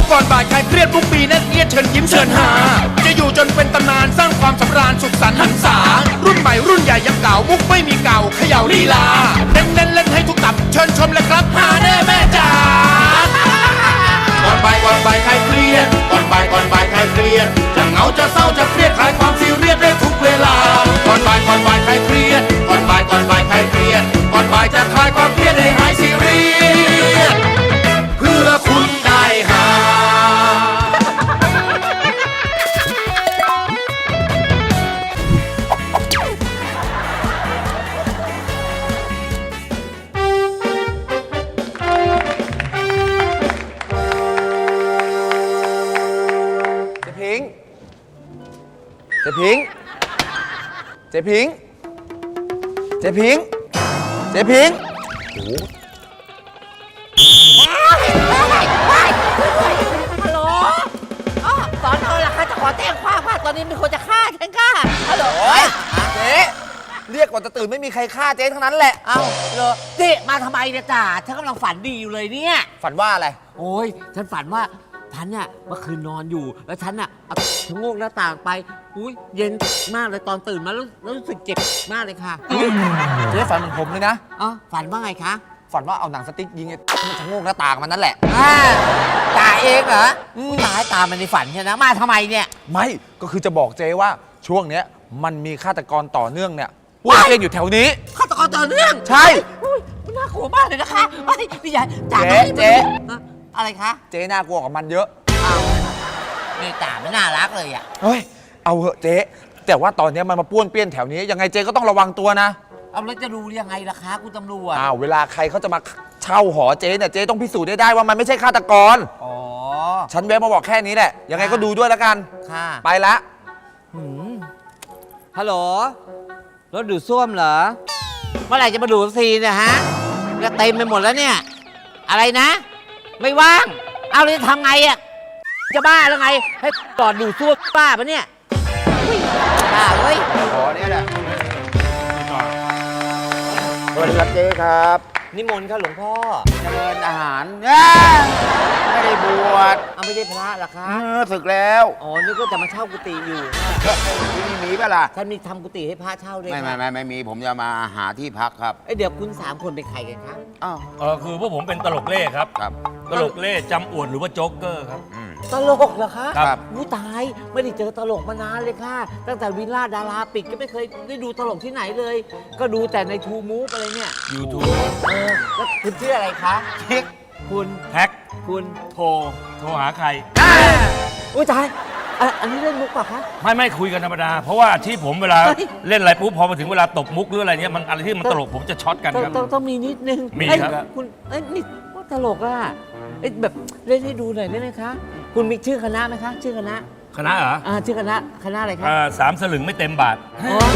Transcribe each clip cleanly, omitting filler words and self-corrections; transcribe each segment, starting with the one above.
ก่อนบ่ายใครเครียดทุกปีแน่นเอียดเชิญยิ้มเชิญหาจะอยู่จนเป็นตำนานสร้างความสำราญสุขสันต์หันษารุ่นใหม่รุ่นใหญ่ยังเก่ามุกไม่มีเก่าเขย่าลีลาเน้นเล่นให้ทุกตับเชิญชมเลยครับหาแน่แม่จ๋าก่อนบ่ายใครเครียดก่อนบ่ายใครเครียดจะเหงาจะเศร้าจะเครียดคลายความซีเรียสได้ทุกเวลาก่อนบ่ายใครเครียดก่อนบ่ายใครเครียดก่อนบ่ายจะคลายความเครียดให้หายซีเรียสเพื่อคุณได้หาเจ๊พิงเจ๊พิงเจ๊พิงเจ๊พิงฮัลโหลอ๋อสอนอล่ะคะจะขอแจ้งความว่าตอนนี้มีคนจะฆ่าฉันค่ะฮัลโหลเจ๊เรียกก่อนจะตื่นไม่มีใครฆ่าเจ๊ทั้งนั้นแหละเอ้าเหรอเจ๊มาทำไมเนี่ยจ่าฉันกำลังฝันดีอยู่เลยเนี่ยฝันว่าอะไรโอ้ยฉันฝันว่าฉันเนี่ยเมื่อคืนนอนอยู่แล้วฉันน่ะเอาชะโงกหน้าต่างไปอุ้ยเย็นมากเลยตอนตื่นมาแล้วรู้สึกเจ็บมากเลยค่ะเจ๊ฝันเหมือนผมเลยนะอ๋อฝันว่าไงคะฝันว่าเอาหนังสติ๊กยิงไอ้มันชะโงกหน้าต่างมันนั่นแหละจ่าเองเหรอตายตามมันในฝันใช่ไหมมาทำไมเนี่ยไม่ก็คือจะบอกเจ๊ว่าช่วงเนี้ยมันมีฆาตกรต่อเนื่องเนี่ยป้วนเปี้ยนอยู่แถวนี้ฆาตกรต่อเนื่องใช่อุ้ยมันน่ากลัวมากเลยนะคะไอ้พี่ใหญ่จ่าเจ๊อะไรคะเจ๊น่ากลัวกว่ามันเยอะอ้าวนี่จ่าไม่น่ารักเลยอ่ะเฮ้ยเอาเหอะเจ๊แต่ว่าตอนเนี้ยมันมาป้วนเปี้ยนแถวนี้ยังไงเจ๊ก็ต้องระวังตัวนะเอาแล้วจะรู้ยังไงล่ะคะคุณตำรวจอ้าวเวลาใครเขาจะมาเช่าหอเจ๊เนี่ยเจ๊ต้องพิสูจน์ได้ว่ามันไม่ใช่ฆาตกรอ๋อฉันแวะมาบอกแค่นี้แหละยังไงก็ดูด้วยแล้วกันค่ะไปละฮัลโหลรถดูดซ่วมเหรอเมื่อไหร่จะมาดูดซีเนี่ยฮะจะเต็มไปหมดแล้วเนี่ยอะไรนะ ไม่ว่างเอาเลยจะทำไงอ่ะจะบ้าแล้วไงให้จอดดูดซ่วมบ้าปะเนี่ยบ้าเว้ยขอเนี่ยแหละสวัสดีครับเจ๊ครับนิมนต์ค่ะหลวงพ่อเจริญอาหารไม่ได้บวชเอาไม่ได้พระเหรอคะศึกแล้วอ๋อนี่ก็จะมาเช่ากุฏิอยู่ที่นี่มีป่ะล่ะท่านมีทำกุฏิให้พระเช่าด้วยไม่มีผมจะมาหาที่พักครับเอ้ยเดี๋ยวคุณสามคนเป็นใครกันคะอ้าวคือพวกผมเป็นตลกเล่ครับครับตลกเล่จำอวดหรือว่าโจ๊กเกอร์ครับตลกเหรอคะครับอู้ตายไม่ได้เจอตลกมานานเลยค่ะ ตั้งแต่วิลล่าดาราปิดก็ไม่เคยได้ดูตลกที่ไหนเลย ก็ดูแต่ในทูมูฟอะไรเนี่ย YouTube แล้วคุณชื่ออะไรคะทิกคุณแท็กคุณโทรหาใครอุ้ยตายอันนี้เล่นมุกเปล่ะคะไม่คุยกันธรรมดา เพราะว่าอาชีพผมเวลาเฮ้ยเล่นอะไรปุ๊บพอมาถึงเวลาตบมุกหรืออะไรเนี้ยมันอะไรที่มันตลกผมจะช็อตกันครับต้องมีนิดนึงมีเอ้ยครับคุณเอ้ยนี่ว่าตลกอ่ะเอ้ยแบบเล่นให้ดูหน่อยได้ไหมคะ คุณมีชื่อคณะไหมคะ ชื่อคณะคณะเหรอชื่อคณะอะไรคะ 3 สลึงไม่เต็มบาทอ๋อ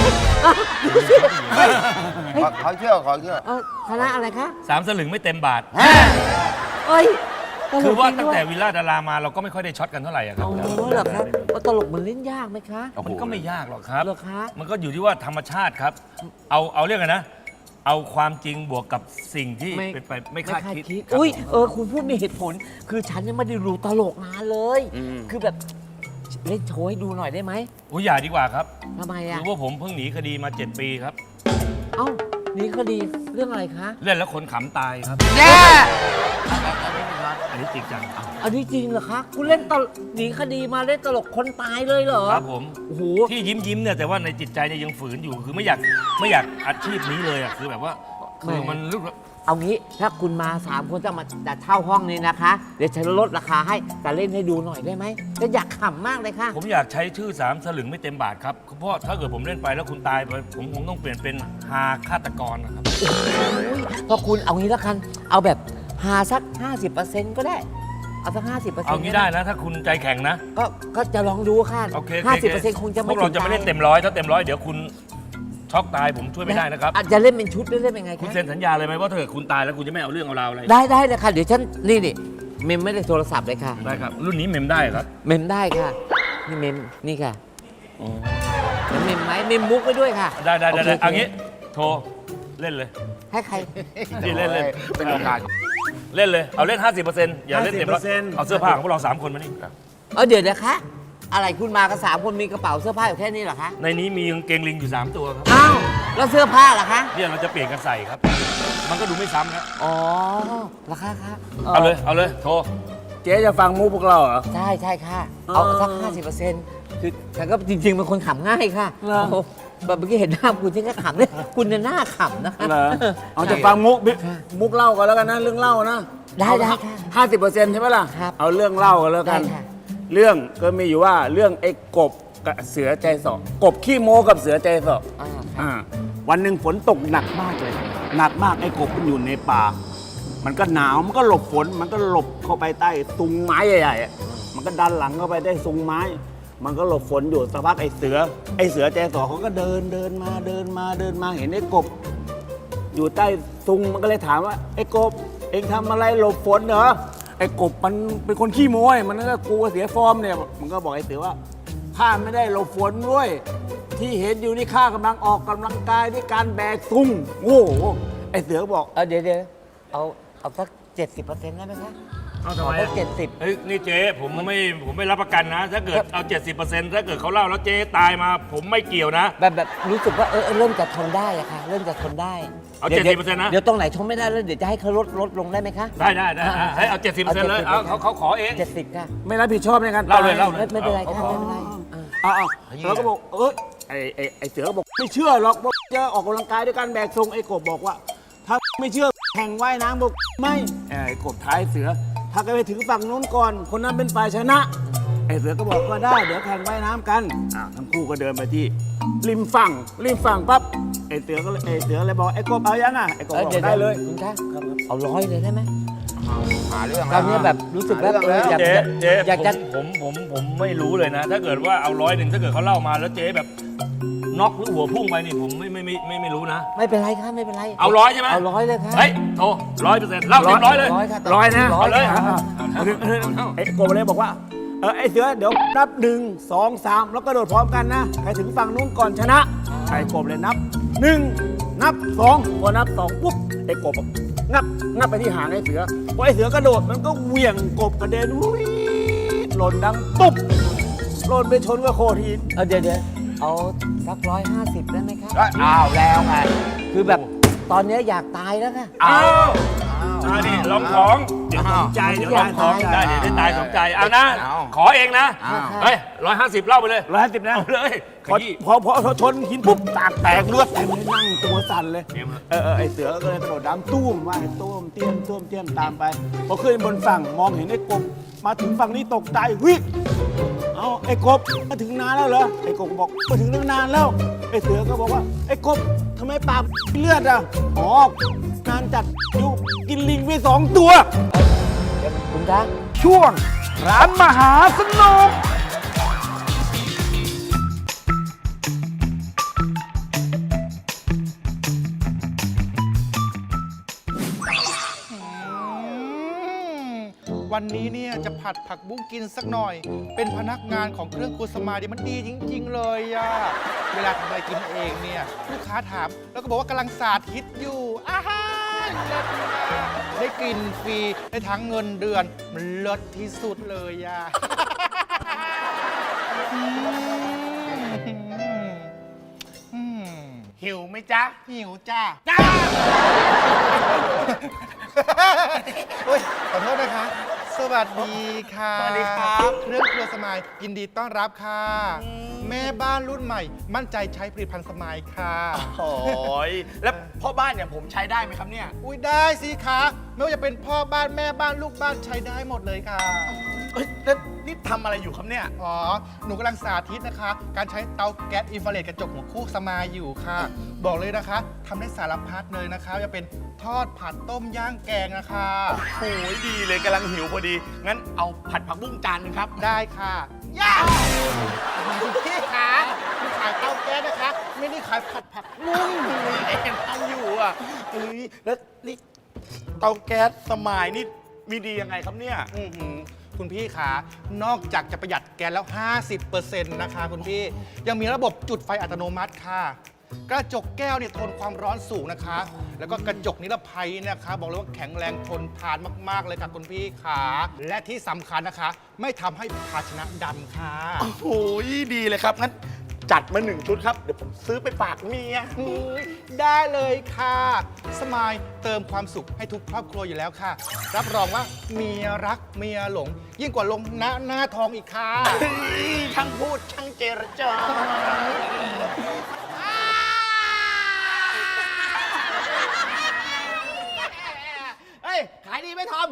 ขอเชื่อคณะอะไรคะ 3 สลึงไม่เต็มบาทเอ้ยตลกคือว่าจริตั้งด้วยแต่วิลล่าดารามาเราก็ไม่ค่อยได้ช็อตกันเท่าไหร่อะครับอ๋อเหรอครับตลกมันเล่นยากไหมคะมันก็ไม่ยากหรอกครับเหรอคะมันก็อยู่ที่ว่าธรรมชาติครับ เอาเรื่องกันนะ เอาความจริงบวกกับสิ่งที่เป็นไปไม่คาดคิดครับอุ้ยคุณพูดมีเหตุผล คือฉันยังไม่ได้ดูตลกนานเลย คือแบบเล่นโชว์ให้ดูหน่อยได้ไหมอุ้ยอย่าดีกว่าครับทำไมคือ่ะอว่าผมเพิ่งหนีคดีมา 7 ปีครับเอ้านี่คดีเรื่องอะไรคะเล่นแล้วคนขำตายครับแย่อันนี้จริงจังอันนี้จริงเหรอคะ คุณเล่นตลกหนีคดีมาเล่นตลกคนตายเลยเหรอครับผมโอ้โหที่ยิ้มเนี่ยแต่ว่าในจิตใจเนี่ยยังฝืนอยู่คือไม่อยากอาชีพนี้เลยอ่ะคือแบบว่าคือมันรู้สึกเอางี้ถ้าคุณมา3 คนจะเช่าห้องนี้นะคะ เดี๋ยวฉันลดราคาให้แต่เล่นให้ดูหน่อยได้ไหมฉันอยากขำมากเลยค่ะผมอยากใช้ชื่อ3 สลึงไม่เต็มบาทครับเพราะถ้าเกิดผมเล่นไปแล้วคุณตายไปผมคงต้องเปลี่ยนเป็นฮาฆาตกรนะครับเพราะคุณเอางี้แล้วกันเอาแบบหาสัก 50%ก็ได้ เอาสัก 50% เอางี้ได้นะ ถ้าคุณใจแข็งนะก็จะลองดูค่ะโอเค 50%คงจะพไม่วกเราจะไม่เล่นเต็มร้อยถ้าเต็มร้อยเดี๋ยวคุณช็อกตายผมช่วยไม่ได้นะครับอาจจะเล่นเป็นชุดหรือเล่นเป็นไงคุณคะเซ็นสัญญาเลยไหมว่าถ้าเกิดคุณตายแล้วคุณจะไม่เอาเรื่องเอาราวอะไรได้เลยค่ะ เดี๋ยวฉันนี่เมมไม่ได้โทรศัพท์เลยค่ะได้ครับ รุ่นนี้เมมได้ครับเมมได้ค่ะ นี่เมมนี่ค่ะเมมไหมเมมมุกไปด้วยค่ะได้โคเอางี้โทรเล่นเลยให้ใครนี่เล่นเป็นโอกาสเล่นเลย เอาเล่น 50%อย่าเล่นเต็มร้อย 50% เอาเสื้อผ้าของพวกเรา 3 คนมานี่เดี๋ยวนะคะ อะไรคุณมากัน3 คนมีกระเป๋าเสื้อผ้าอยู่แค่นี้เหรอคะในนี้มีกางเกงลิงอยู่ 3 ตัวครับอ้าวแล้วเสื้อผ้าล่ะคะเนี่ยเราจะเปลี่ยนกันใส่ครับ มันก็ดูไม่ซ้ำนะอ๋อราคาคะเอาเลยโทรเจ๊จะฟังมุกพวกเราเหรอใช่ค่ะ เอาสัก 50%คือฉันก็จริงๆเป็นคนขำง่ายค่ะเหรอโอ้แบบเมื่อกี้เห็นหน้าคุณฉันก็ขำเนี่ยคุณเนี่ยหน้าขำนะคะเหรอเอาจะฟังมุกเล่ากันแล้วกันนะเรื่องเล่านะได้ค่ะ 50%ใช่ไหมล่ะครับเอาเรื่องเล่ากันแล้วกันได้ค่ะเรื่องก็มีอยู่ว่าเรื่องไอ้กบกับเสือใจสอกบขี้โม้กับเสือใจสออ่าอ่าวันหนึ่งฝนตกหนักมากเลย หนักมากไอ้กบมันอยู่ในป่า มันก็หนาวมันก็หลบฝนมันก็หลบเข้าไปใต้ซุงไม้ใหญ่ๆอะมันก็ดันหลังเข้าไปได้ซุงไม้ มันก็หลบฝนอยู่สักพักไอ้เสือใจสอเขาก็เดินมาเห็นไอ้กบ อยู่ใต้ซุงมันก็เลยถามว่าไอ้กบเองทำอะไรหลบฝนเหรอไอ้กบมันเป็นคนขี้โม้ยมันก็กลัวเสียฟอร์มเนี่ยมันก็บอกไอ้เสือว่าข้าไม่ได้หลบฝนด้วยที่เห็นอยู่นี่ข้ากำลังออกกำลังกายด้วยการแบกซุงโอ้โหไอ้เสือบอกเดี๋ยวเอาสัก 70%ได้ไหมคะเอาทำขไมอสัก70 เฮ้ยนี่เจ๊ผมไม่รับประกันนะ ถ้าเกิดเอา 70%ถ้าเกิดเขาเล่าแล้วเจ๊ตายมา ผมไม่เกี่ยวนะแบบรู้สึกว่าเริ่มจะทนได้อะค่ะ เริ่มจะทนได้เอาดี๋ยว 70%นะเดี๋ยวตรงไหนทนไม่ได้แล้วเดี๋ยวจะให้เขาลดลงได้ไหมคะได้ให้เอา 70%เลยเอาเขาขอเอง 70ค่ะไม่รับผิดชอบในการเล่าเลยไม่เป็นไรค่ะไม่เป็นไรแล้วก็บอกไอ้เสือก็บอกไม่เชื่อหรอกว่าจะออกกำลังกายด้วยการแบกซุงไอ้กบบอกว่า ถ้าไม่เชื่อแข่งว่ายน้ำบอกไม่ไอ้กบท้ายเสือ ถ้าแกไปถึงฝั่งนู้นก่อน คนนั้นเป็นฝ่ายชนะ ไอ้เสือก็บอกว่าได้เดี๋ยวแข่งว่ายน้ำกันทั้งคู่ก็เดินไปที่ริมฝั่งปั๊บไอ้เสือเลยบอกไอ้กบเอายังอ่ะไอ้กบบอกได้เลยคุณคะเอา100เลยได้ไหมหาเรื่องตอนนี้แบบรู้สึกแบบอยากเจ๊อยากจะผมไม่รู้เลยนะ ถ้าเกิดว่าเอา100ถ้าเกิดเขาเล่ามาแล้วเจ๊แบบน็อกหรือหัวพุ่งไปนี่ผมไม่รู้นะไม่เป็นไรค่ะไม่เป็นไรเอา100ใช่ไหมเอา100เลยค่ะเฮ้ยโทร100%เล่า100เลยค่ะร้อยนะเอาเลยไอ้กบเลยบอกว่าไอ้เสือเดี๋ยวนับ1 2 3แล้วก็โดดพร้อมกันนะใครถึงฝั่งนู้นก่อนชนะไอ้กบเลยนับ1นับ2พอนับ2ปุ๊บไอ้กบงับไปที่หางไอ้เสือพอไอ้เสือกระโดดมันก็เหวี่ยงกบกระเด็นวิ่งหล่นดังตุ๊บหล่นไปชนกับโขดหินเดี๋ยวเอาสัก150ได้ไหมคะอ้าวแล้วไงคือแบบตอนนี้อยากตายแล้วค่ะอ้าวนี่ลองของเดี๋ยวสมใจเดี๋ยวลองของได้เดี๋ยวได้ตายสมใจเอานะ ขอเองนะ เฮ้ย150เล่าไปเลย 150นะเอาเลยขพอยี้ชนหินปุ๊บตากแตกเลือดเต็มเลยนั่งตัวสั่นเลยเตรียมเลยไอ้เสือก็เลยกระโดดน้ำตุ้มว่าไอ้ตุ้มเตี้ยมตามไปพอขึ้นบนฝั่งมองเห็นไอ้กบมาถึงฝั่งนี้ตกใจวิเอาไอ้กบมาถึงนานแล้วเหรอไอ้กบบอกมาถึงตั้งนานแล้วไอ้เสือก็บอกว่าไอ้กบทำไมปากเลือดอ่ะอ๋องานจัดอยู่กินลิงไป2 ตัวคุณคะช่วงร้านมหาสนุกวันนี้เนี่ยจะผัดผักบุ้งกินสักหน่อย เป็นพนักงานของเครื่องครัวสมายมันดีจริง ๆ เลยอะเวลาทำอะไรกินเองเนี่ยลูกค้าถามแล้วก็บอกว่ากำลังสาธิตอยู่อาหารเลิศมากได้กินฟรีได้ทั้งเงินเดือนมันเลิศที่สุดเลยอะหิวไหมจ๊ะหิวจ้าโอ้ยขอโทษนะคะ สวัสดีค่ะสวัสดีครับเครื่องครัวสมายยินดีต้อนรับค่ะ แม่บ้านรุ่นใหม่ มั่นใจใช้ผลิตภัณฑ์สมายค่ะโอ้ยแล้วพ่อบ้านเนี่ยผมใช้ได้ไหมครับเนี่ยอุ้ยได้สิคะไม่ว่าจะเป็นพ่อบ้านแม่บ้านลูกบ้านใช้ได้หมดเลยค่ะเอ้ยแล้วนี่ทำอะไรอยู่ครับเนี่ยอ๋อ หนูกำลังสาธิตนะคะ การใช้เตาแก๊สอินฟราเรดกระจกหัวคู่สมายอยู่ค่ะ บอกเลยนะคะทำได้สารพัดเลยนะคะจะเป็นทอดผัดต้มย่างแกงนะคะโอ้ยดีเลยกำลังหิวพอดี งั้นเอาผัดผักบุ้งจานหนึงครับได้ค่ะย่าคุณพี่ขาคุณขายเตาแก๊สนะคะ ไม่ได้ขายผัดผักบุ้งเอ็นทำอยู่อ่ะเอ้ยแล้วนี่เตาแก๊สสมัยนี่มีดียังไงครับเนี่ยอื้อหือคุณพี่ขานอกจากจะประหยัดแก๊สแล้ว 50% นะคะคุณพี่ ยังมีระบบจุดไฟอัตโนมัติค่ะ กระจกแก้วเนี่ยทนความร้อนสูงนะคะแล้วก็กระจกนิรภัยนะคะ บอกเลยว่าแข็งแรงทนทานมากๆเลยค่ะคุณพี่ขาและที่สำคัญนะคะ ไม่ทำให้ภาชนะดำค่ะโอ้โหดีเลยครับงั้นจัดมา1 ชุดครับ เดี๋ยวผมซื้อไปฝากเมียได้เลยค่ะสมายเติมความสุขให้ทุกครอบครัวอยู่แล้วค่ะ รับรองว่าเมียรักเมียหลง ยิ่งกว่าลงหน้าทองอีกค่ะช่างพูดช่างเจรจาเฮ้ย ขายดีไหมทอม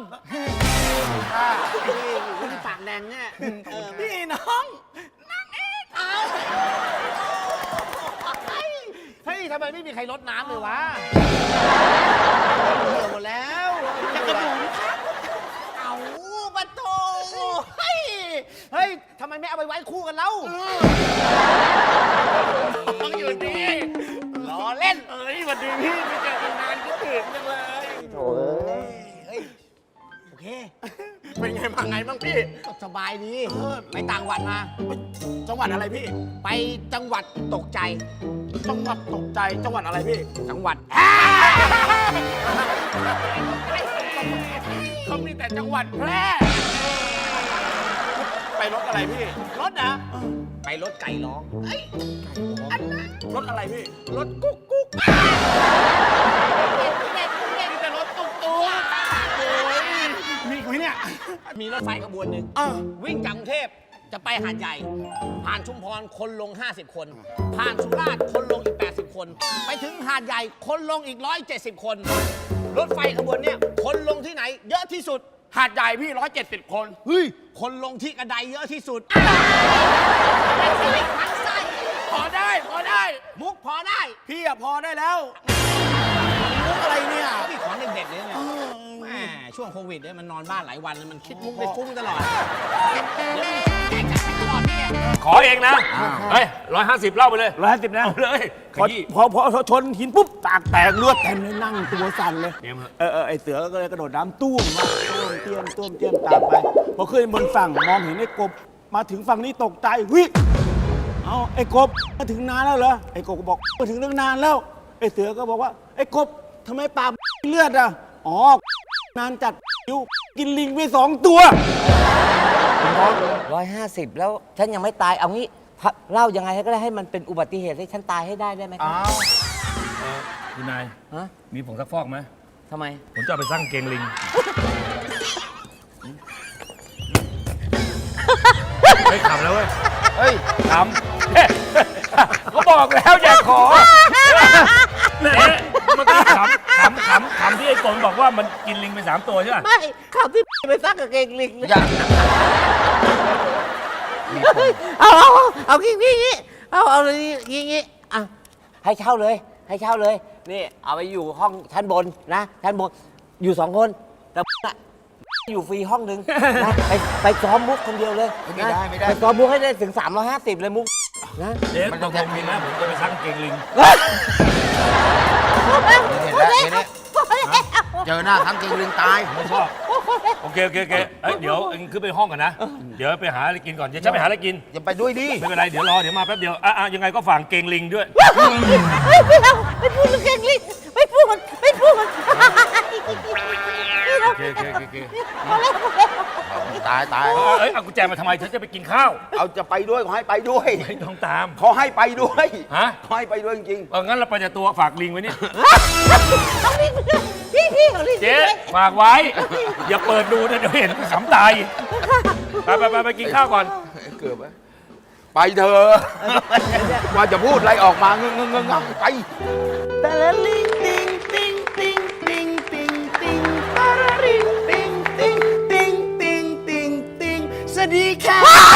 นี่ปากแดงเนี่ยพี่น้องเฮ้ย ทำไมไม่มีใครรดน้ำเลยวะเหี่ยวหมดแล้วจะกระบุ๋มครับเอาบัตโตเฮ้ย เฮ้ย ทำไมไม่เอาไปไว้คู่กันเล่าต้องอยู่ดีล้อเล่นเอ้ยสวัสดีพี่ไม่เจอกันนานคิดถึงจังเลยโอ้ยโอเคเป็นไงมาไงบ้างพี่ก็สบายดี ไปต่างจังหวัดมาจังหวัดอะไรพี่ไปจังหวัดตกใจจังหวัดตกใจจังหวัดอะไรพี่จังหวัดเขามีแต่จังหวัดแพร่ไปรถอะไรพี่รถนะไปรถไก่ร้องรถอะไรพี่รถกุ๊กกุ๊กมีแต่รถตุ๊กตุ๊กโอ้ยมีไหมเนี่ยมีรถไฟขบวนหนึ่งอ้าววิ่งจากกรุงเทพจะไปหาดใหญ่ ผ่านชุมพรคนลง 50 คน ผ่านสุราษฎร์คนลงอีก 80 คน ไปถึงหาดใหญ่คนลงอีก 170 คน รถไฟขบวนเนี้ยคนลงที่ไหน เยอะที่สุดหาดใหญ่พี่170 คนเฮ้ย คนลงที่กระไดเยอะที่สุดทั้งไส้พอได้พอได้มุกพอได้พี่อะพอได้แล้วมุกอะไรเนี่ยนี่ของเด็กๆเนี่ยแหมช่วงโควิดเนี่ยมันนอนบ้านหลายวันเลยมันคิดมุกได้ฟุ้งตลอด เดี๋ยวมันแจกจ่ายตลอดเนี่ยขอเองนะ เฮ้ย150เล่าไปเลย 150นะเอาเลยขพอยี้พอชนหินปุ๊บปากแตกเลือดเต็มเลยนั่งตัวสั่นเลยเนี่ยมึงไอเสือก็เลยกระโดดน้ำตุ้มมาตุ้มเตี้ยมตามไปพอขึ้นบนฝั่งมองเห็นไอ้กบมาถึงฝั่งนี้ตกใจวิเอาไอ้กบมาถึงนานแล้วเหรอไอ้กบก็บอกมาถึงตั้งนานแล้วไอ้เสือก็บอกว่าไอ้กบทำไมปากเลือดอ่ะอ๋อนานจัดอยู่กินลิงไป2 ตัว 150 แล้วฉันยังไม่ตายเอางี้เล่ายังไงก็ได้ให้มันเป็นอุบัติเหตุให้ฉันตายให้ได้ไหมครับคุณนายฮะมีผงซักฟอกไหมทำไมผมจะเอาไปสร้างเกงลิง ไม่ขำแล้วเว้ยเฮ้ยขำ ก็บอกแล้วอย่าขอเนี่ยเมื่อกี้ขำที่ไอ้กลบอกว่ามันกินลิงไป3 ตัวใช่ป่ะไม่ข่าวที่ไปซักกับเกงลิงอย่าเอางี้เอาเลยงี้อ่ะให้เช่าเลยนี่เอาไปอยู่ห้องชั้นบนนะชั้นบนอยู่2 คนแต่อยู่ฟรีห้องนึงนะไปซ้อมมุกคนเดียวเลยไม่ได้ไปซ้อมมุกให้ได้ถึง350เลยมุกนะเดี๋ยวตกลงมีนะผมจะไปสร้างเกงลิงเห็นแล้วเจอหน้าทั้งจริงลืมตายไม่ชอบ โอเคเอ้ยเดี๋ยวเอ็งขึ้นไปห้องก่อนนะ เดี๋ยวไปหาอะไรกินก่อน เดี๋ยวฉันไปหาอะไรกินอย่าไปด้วยดิไม่เป็นไร เดี๋ยวรอ เดี๋ยวมาแป๊บเดียว ยังไงก็ฝากเกงลิงด้วยไม่พูดเรื่องเกงลิงไม่พูดโอเคตายเอ้ยเอากุญแจมาทำไมฉันจะไปกินข้าวเอาจะไปด้วยขอให้ไปด้วยไม่ต้องตามขอให้ไปด้วยฮะขอให้ไปด้วยจริงงั้นเราไปแต่ตัวฝากลิงไว้นี่พี่ของลิงเจ๊ฝากไว้ อย่าเปิดดูนะเดี๋ยวเห็นขำตาย ไปกินข้าวก่อนๆเกือบไปเถอะว่าจะพูดอะไรออกมาเงงไปแต่ละลิงติงติงติงติงติงติงตาราริงติงติงติงติงติงติงสวัสดีค่ะ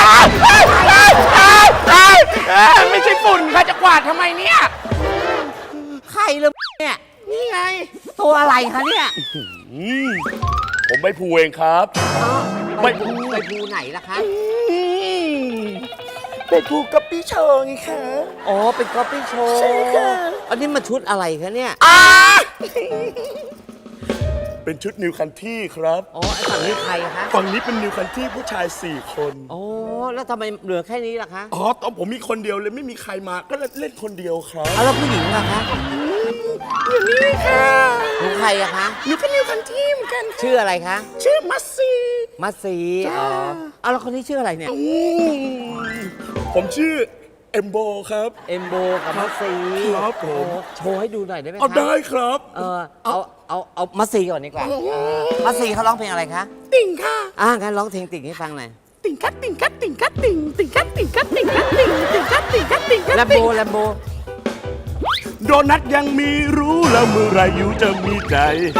ไม่ใช่ฝุ่นค่ะจะกวาดทำไมเนี่ยใครเลยเนี่ยนี่ไงตัวอะไรคะเนี่ยผมไม่พูเองครับไปภูไหนล่ะคะเป็นภูกับพี่เชิงไงคะอ๋อเป็นก๊อปปี้โชว์ใช่ค่ะอันนี้มาชุดอะไรคะเนี่ยเป็นชุดนิวคันที่ครับอ๋อไอ้ฝั่งนี้ใครคะฝั่งนี้เป็นนิวคันที่ผู้ชาย 4 คนอ๋อแล้วทำไมเหลือแค่นี้ล่ะคะอ๋อตอนผมมีคนเดียวเลยไม่มีใครมาก็เล่นคนเดียวครับเอาแล้วผู้หญิงล่ะคะผอยู่นี่ค่ะหนูใครอะคะหนูก็นิวคันทีเหมือนกันค่ะชื่ออะไรคะชื่อมัสซีมัสซีอ๋อเอาแล้วคนนี้ชื่ออะไรเนี่ยผมชื่อเอมโบครับเอ็มโบกับมัสซีครับผมโอ้โชว์ให้ดูหน่อยได้ไหมคะเอาได้ครับเอามัสซีก่อนดีกว่ามัสซีเขาร้องเพลงอะไรคะติ่งค่ะงั้นร้องเพลงติ่งให้ฟังหน่อยติ่งคัดติ่งคัดติ่งคัดติ่งติ่งคัดติ่งคัดติ่งคัดติ่งติ่งคัดติ่งคัดติ่งคัดแลมโบติ่งแลมโบโดนัทยังมีรู้แล้วเมื่อไรอยู่จะมีใจ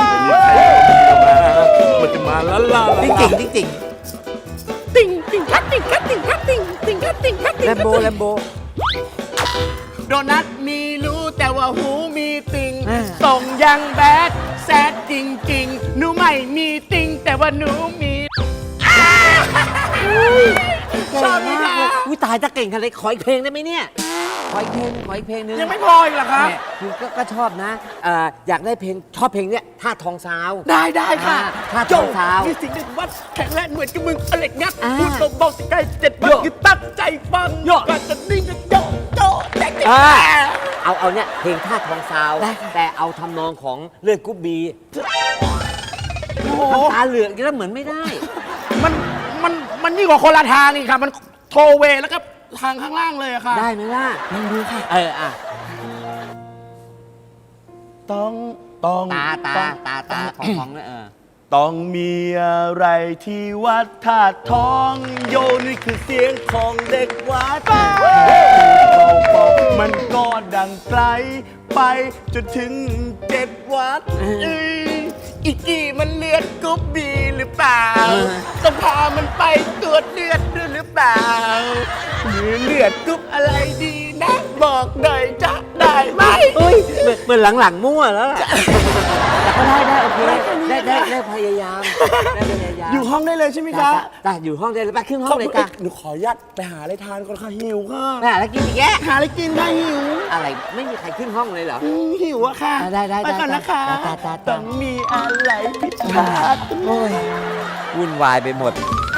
มันจะมาละลาติ๊งติ่งติ๊งติ่งติ่งติ่งคัดติ่งคัดติ่งคัดติ่งติ่งคัดติ่งคัดติ่งแลมโบแลมโบโดนัทมีรู้แต่ว่าหูมีติ่งอ่าส่งยังแบดแซดจริงๆหนูไม่มีติ่งแต่ว่าหนูมีชอบไหมคะอุ้ยตายถ้าเก่งขนาดนี้ขออีกเพลงได้ไหมเนี่ย ขออีกเพลงนึงยังไม่พออีกเหรอคะแหม่คือก็ชอบนะอยากได้เพลงชอบเพลงเนี้ยท่าทองสาวได้ค่ะท่าโจทองสาวมีสิ่งหนึ่งว่าแข็งแรงเหมือนกับมึงอเล็กงัดอ่าพูดเบาๆสิใกล้7 วันโย่คือตั้งใจฟังโย่ก่อนจะนิ่งก็โยโยแจ๊กเอาเนี่ยเพลงท่าทองสาว แต่เอาทำนองของเลือดกรุ๊บบีน้ำตาเหลือกอีกแล้วเหมือนไม่ได้มันยิ่งกว่าคนละทางนี่ค่ะ มันโทเวแล้วก็ทางข้างล่างเลยอะค่ะได้ไหมล่ะลองดูค่ะต้องตาของเนี่ยต้องมีอะไรที่วัดธาตุทองโยนี่คือเสียงของเด็กวัดมันก็ดังไกลไปจนถึง7 วัดอีกกี่มันเลือดกรุ๊บบีหรือเปล่า ต้องพามันไปตรวจเลือดด้วยหรือเปล่าหรือเลือดกรุ๊บอะไรดีนะบอกหน่อยจะได้ไหมเหมือนหลังๆมั่วแล้วล่ะแต่ก็ได้โอเคได้พยายามได้พยายามอยู่ห้องได้เลยใช่ไหมคะได้อยู่ห้องได้เลยไปขึ้นห้องเลยค่ะหนูขออนุญาตไปหาอะไรทานก่อนค่ะหิวค่ะไปหาแล้วกินอีกแยะหาอะไรกินค่ะหิวอะไรไม่มีใครขึ้นห้องเลยเหรอหิวอะค่ะได้ไปก่อนนะคะได้ต้องมีอะไรผิดพลาดโอ้ยวุ่นวายไปหมด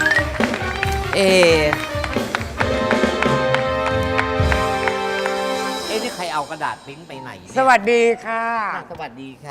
นี่ใครเอากระดาษปริ้นไปไหนเนี่ยสวัสดีค่ะสวัสดีค่ะ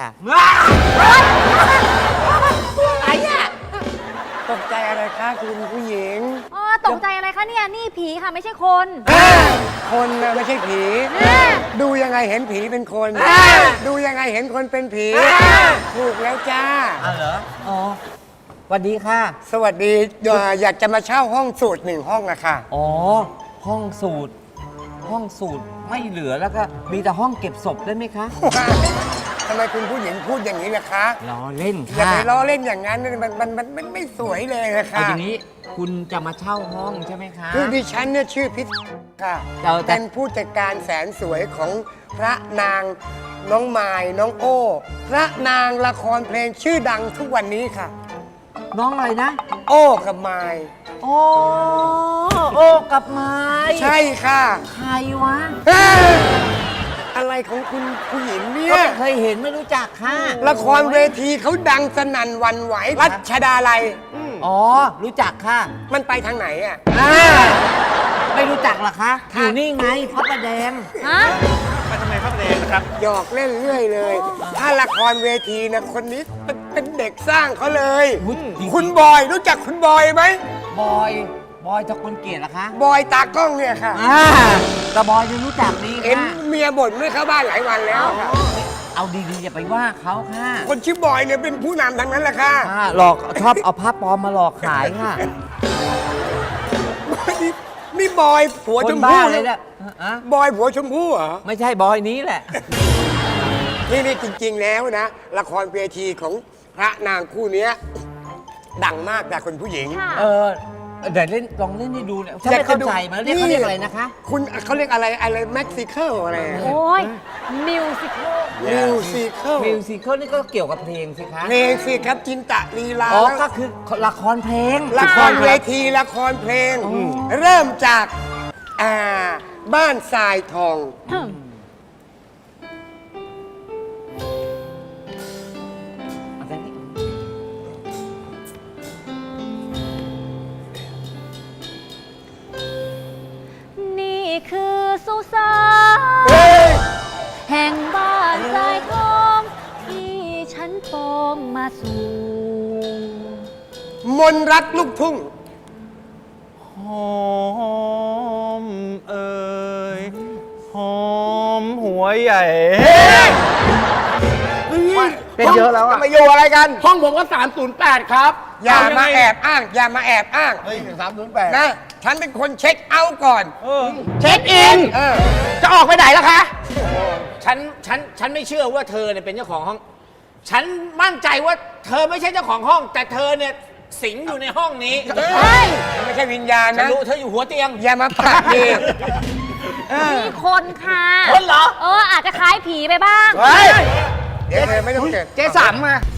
อะไรอ่ะ ตกใจอะไรคะคุณผู้หญิงอ๋อตกใจอะไรคะเนี่ย นี่ผีค่ะไม่ใช่คนคนน่ะไม่ใช่ผีอ่าดูยังไงเห็นผีเป็นคน ดูยังไงเห็นคนเป็นผี ถูกแล้วจ้าอ้าวเหรอ อ๋อสวัสดีค่ะสวัสดีอยากจะมาเช่าห้องสูตร1 ห้องอะค่ะอ๋อ ห้องสูตรไม่เหลือแล้วก็มีแต่ห้องเก็บศพได้ไหมคะทำไมคุณผู้หญิงพูดอย่างนี้ล่ะคะล้อเล่นอย่าค่ะไปล้อเล่นอย่างนั้นมันไม่สวยเลยนะเอาคะอย่างนี้คุณจะมาเช่าห้องใช่ไหมคะคือดิฉันเนี่ยชื่อพิษค่ะแต่เป็นผู้จัดการแสนสวยของพระนางน้องมายน้องโอ้พระนางละครเพลงชื่อดังทุกวันนี้ค่ะน้องอะไรนะโอ้กับมายโอ้กับไม้ใช่ค่ะใครวะเอ้ยอะไรของคุณผู้หญิงเนี่ก็ยไม่เคยเห็นไม่รู้จักค่ะละครเวทีเขาดังสนั่นหวันไหวรัชดาลัยอ๋อ รู้จักค่ะมันไปทางไหนอ่ะไม่รู้จักเหรอคะอยู่นี่ไงพระประแดงฮะหยอกเล่นเรื่อยเลย ถ้าละครเวทีนะคนนี้เป็นเด็กสร้างเขาเลยอุ๊ยจริงๆคุณบอยรู้จักคุณบอยไหมบอยตะคนเกียรติเหรอคะบอยตากล้องเนี่ยค่ะแต่บอยยังรู้จักดีเห็นค่ะเมียบ่นไม่เข้าบ้านหลายวันแล้วค่ะเอาดีๆอย่าไปว่าเขาค่ะคนชื่อบอยเนี่ยเป็นผู้นำทั้งนั้นแหละค่ะหลอกชอบเอาผ้าปลอมมาหลอกขายค่ะนี่บอยผัวคชนมบ้าพู่เลยเนี่ยอะบอยผัวชมพู่เหรอไม่ใช่บอยนี้แหละนี่จริงๆแล้วนะ ละครเวทีของพระนางคู่เนี้ยดังมากแต่คนผู้หญิงค่ะเดี๋ยวลองเล่นให้ดูเนี่ยฉันไม่เข้าใจมันเรียกเขาเรียกอะไรนะคะคุณเขาเรียกอะไรเม็กซิเคิลอะไรโอ้ยมิวสิคมิวสิเคิลมิวสิคลนี่ก็เกี่ยวกับเพลงสิคะเพลงสิครับจินตะลีลาอ๋อแล้วก็คือละครเพลงละครเวทีละครเพลง เริ่มจากบ้านทรายทองนี่คือสุสาเฮ้ยแห่งบ้านทรายทอมนรักลูกทุ่งหอมเอ่ยหอมหัวใหญ่ เป็นเยอะแล้วอะมาอยู่อะไรกันห้องผมก็ 308 ครับอย่ามาแอบอ้าง อย่ามาแอบอ้างเฮ้ย308 นะ ฉันเป็นคนเช็คเอาท์ก่อนเช็คอินเออจะออกไปไหนล่ะคะ ฉันไม่เชื่อว่าเธอเนี่ยเป็นเจ้าของห้อง ฉันมั่นใจว่าเธอไม่ใช่เจ้าของห้อง แต่เธอเนี่ยสิงอยู่ในห้องนี้เฮ้ยไม่ใช่วิญญาณฉันนะรู้เธออยู่หัวเตียงอย่ามาปากดีมีคนค่ะคนเหรออาจจะคล้ายผีไปบ้างเดี๋ยวไม่ต้องเกิดเจ๊สัมมา